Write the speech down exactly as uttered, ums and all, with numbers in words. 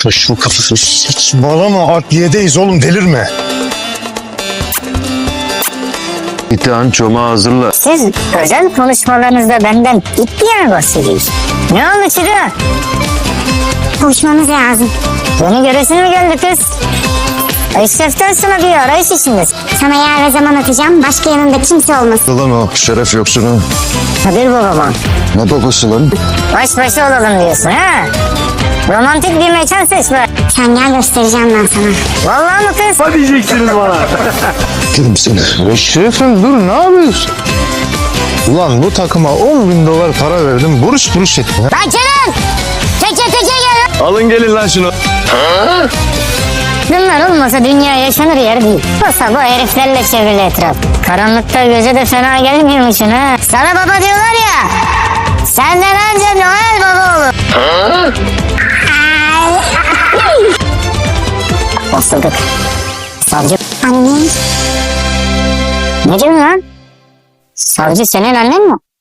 Taşın kafası. Saçmalama, adliyedeyiz oğlum, delirme. İtihan çomağı hazırla. Siz özel konuşmalarınızda benden ip diye mi bahsediyorsunuz? Ne oldu Çiğdem? Konuşmamız lazım. Yeni göresin mi geldi kız? Eşref'ten sonra bir arayış içindesin. Sana yer ve zaman atacağım. Başka yanında kimse olmasın. Lan o şeref yoksunu. Kadir babama. Ne babası lan? Baş başa olalım diyorsun ha? Romantik bir mekan seç be. Sen gel, göstereceğim ben sana. Vallahi mı kız? Kim seni? Eşref'im dur, ne yapıyorsun? Ulan bu takıma on bin dolar para verdim, buruş buruş etme. Lan Kenan! Teke teke gel. Alın gelin lan şunu. Bunlar olmasa dünya yaşanır yer değil. Olsa bu heriflerle çevrili etraf. Karanlıkta göze de fena gelmiyormuşsun ha. Sana baba diyorlar ya. Senden önce Noel baba olur. Basıldık. Savcı. Anne. Ne diyorsun lan? Savcı senin annen mi?